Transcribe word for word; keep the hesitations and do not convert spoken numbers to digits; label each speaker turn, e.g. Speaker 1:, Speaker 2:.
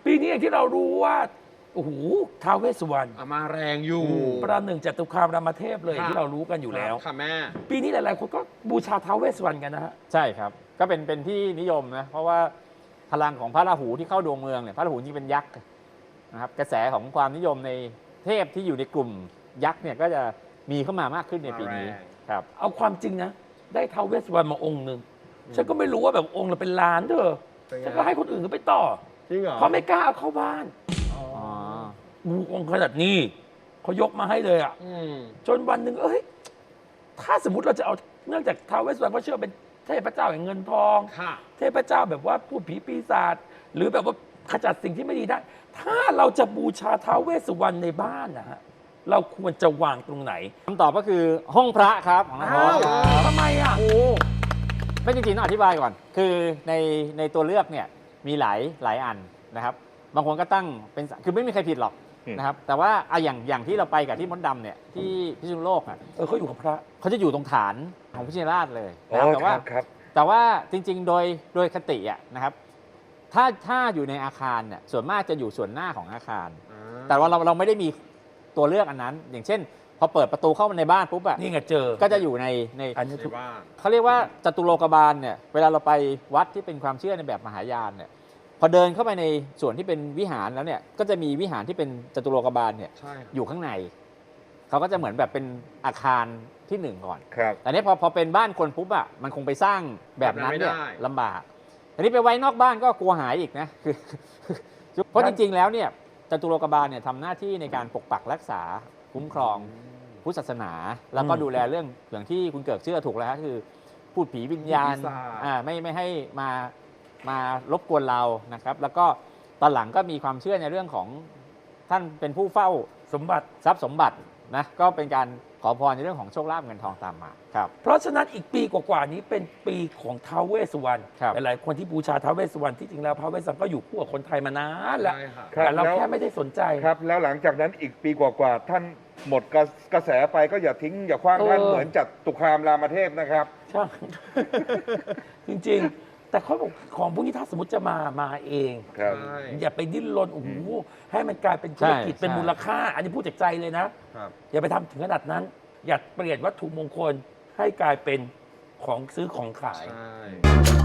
Speaker 1: ปีนี้อย่างที่เรารู้ว่าโอ้โหท้าวเวสสุวรรณ
Speaker 2: อ่ะมาแรงอยู่
Speaker 1: ประหนึ่งจตุคามรามเทพเลยอย่างที่เรารู้กันอยู่แล้ว
Speaker 2: ค่ะแม่
Speaker 1: ปีนี้หลายๆคนก็บูชาท้าวเวสสุวรรณกันนะฮะ
Speaker 3: ใช่ครับก็เป็นเป็นที่นิยมนะเพราะว่าพลังของพระราหูที่เข้าดวงเมืองเนี่ยพระราหูจริงเป็นยักษ์นะครับกระแสของความนิยมในเทพที่อยู่ในกลุ่มยักษ์เนี่ยก็จะมีเข้ามามากขึ้นในปีนี้
Speaker 2: มาแรง
Speaker 3: ครับ
Speaker 1: เอาความจริงนะ ได้ท้าวเวสสุวรรณมาองค์หนึ่งฉันก็ไม่รู้ว่าแบบองค์ละเป็นล้านเธอ
Speaker 2: เป็นไง
Speaker 1: ฉันก็ให้คนอื่นก็ไปต่อ
Speaker 2: จริงเหรอ
Speaker 1: เพราะไม่กล้าเอาเข้าบ้าน
Speaker 2: อ๋อ
Speaker 3: อ๋อ
Speaker 1: อูองค์ขนาดนี้เขายกมาให้เลยอ่ะ
Speaker 2: อืม
Speaker 1: จนวันหนึ่งเอ้ยถ้าสมมติเราจะเอาเนื่องจากท้าวเวสสุวรรณเขาเชื่อเป็นเทพเจ้าแห่งเงินทอง
Speaker 2: ค่ะ
Speaker 1: เทพเจ้าแบบว่าพูดผีปีศาจหรือแบบว่าขจัดสิ่งที่ไม่ดีได้ ถ้าเราจะบูชาท้าวเวสสุวรรณในบ้านนะฮะเราควรจะวางตรงไหน
Speaker 3: คำตอบก็คือห้องพระครับของน้องโอ๊ตครับ
Speaker 1: ทำไมอ่ะ
Speaker 2: โอ้
Speaker 3: ไม่จริงๆต้องอธิบายก่อน คือในในตัวเลือกเนี่ยมีหลายหลายอันนะครับบางคนก็ตั้งเป็นคือไม่มีใครผิดหรอก
Speaker 4: อืม
Speaker 3: นะครับแต่ว่าอะอย่างอย่างที่เราไปกับที่มดดำเนี่ยที่พิษณุโลกอ่ะ
Speaker 1: เออเขาอยู่กับพระ
Speaker 3: เขาจะอยู่ตรงฐานของพิชิตราชเลย
Speaker 4: อ๋
Speaker 3: นะ
Speaker 4: อ
Speaker 3: แต่
Speaker 4: ค
Speaker 3: ว่า
Speaker 4: รับครับ
Speaker 3: แต่ว่าจริงๆ โดยโดยคติอ่ะนะครับถ้าถ้าอยู่ในอาคารเนี่ยส่วนมากจะอยู่ส่วนหน้าของอาคาร แต่ว่าเราเราไม่ได้มีตัวเลือกอันนั้น อย่างเช่น พอเปิดประตูเข้ามาในบ้านปุ๊บอ่ะ
Speaker 1: นี่ไงเจอ
Speaker 3: ก็จะอยู่ในใน
Speaker 1: อันนี้
Speaker 2: ใน
Speaker 1: ถูก
Speaker 2: บ้าน
Speaker 3: เขาเรียกว่าจตุโลกบาลเนี่ยเวลาเราไปวัดที่เป็นความเชื่อในแบบมหายานเนี่ยพอเดินเข้าไปในส่วนที่เป็นวิหารแล้วเนี่ยก็จะมีวิหารที่เป็นจตุโลกบาลเนี่ย
Speaker 2: ใช่ค่ะ
Speaker 3: อยู่ข้างในเขาก็จะเหมือนแบบเป็นอาคารที่หนึ่งก่อน
Speaker 4: ครับ
Speaker 3: แต่เนี้พอพอเป็นบ้านคนปุ๊บอะมันคงไปสร้างแบบนั้นเนี่ย
Speaker 2: แบบนั้นไม่ได้
Speaker 3: ลำบากอันนี้ไปไว้นอกบ้านก็กลัวหายอีกนะคือเพราะจริงๆแล้วเนี่ยจตุโลกบาลเนี่ยทำหน้าที่ในการปกปักรักษาคุ้มครองพุทธศาสนา แล้วก็
Speaker 1: อืม
Speaker 3: ดูแลเรื่องอย่างที่คุณเกิดเชื่อถูกแล้วฮะคือพูดผีวิญญาณ
Speaker 2: ปีศาจ
Speaker 3: อ่าไม่ไม่ให้มามารบกวนเรานะครับ แล้วก็ตอนหลังก็มีความเชื่อในเรื่องของท่านเป็นผู้เฝ้า
Speaker 1: สมบัติ
Speaker 3: ทรัพย์สมบัตินะก็เป็นการขอพรในเรื่องของโชคลาภเงินทองตามมาครับ
Speaker 1: เพราะฉะนั้นอีกปีกว่าๆนี้เป็นปีของท้าวเวสสุวรรณ
Speaker 3: ครับ
Speaker 1: หลายๆคนที่บูชาท้าวเวสสุวรรณที่จริงแล้วท้าวเวสสุวรรณก็อยู่คู่กับคนไทยมานานแล้ว
Speaker 2: ใช่ค่ะ
Speaker 4: ครับ
Speaker 1: แต่เรา
Speaker 4: แล้ว
Speaker 1: แค่ไม่ได้สนใจ
Speaker 4: ครับ แล้วหลังจากนั้นอีกปีกว่าๆท่านหมดกระกระแสไปก็อย่าทิ้งอย่าคว้างท่าน
Speaker 1: เออ
Speaker 4: เหมือนจัตุคามรามเทพนะครับ
Speaker 1: ใช่ จริงๆ แต่เขาบอกของพวกนี้ถ้าสมมติจะมามาเอง
Speaker 4: ครับ
Speaker 2: ใช่
Speaker 1: อย่าไปดิ้นรนโอ้โหให้มันกลายเป็นธุรกิจ
Speaker 3: ใช่
Speaker 1: เป็น
Speaker 3: ใช่
Speaker 1: มูลค่า อันนี้พูดจากใจเลยนะ
Speaker 2: ครับ
Speaker 1: อย่าไปทำถึงขนาดนั้น อย่าเปลี่ยนวัตถุมงคลให้กลายเป็นของซื้อของขาย
Speaker 2: ใช่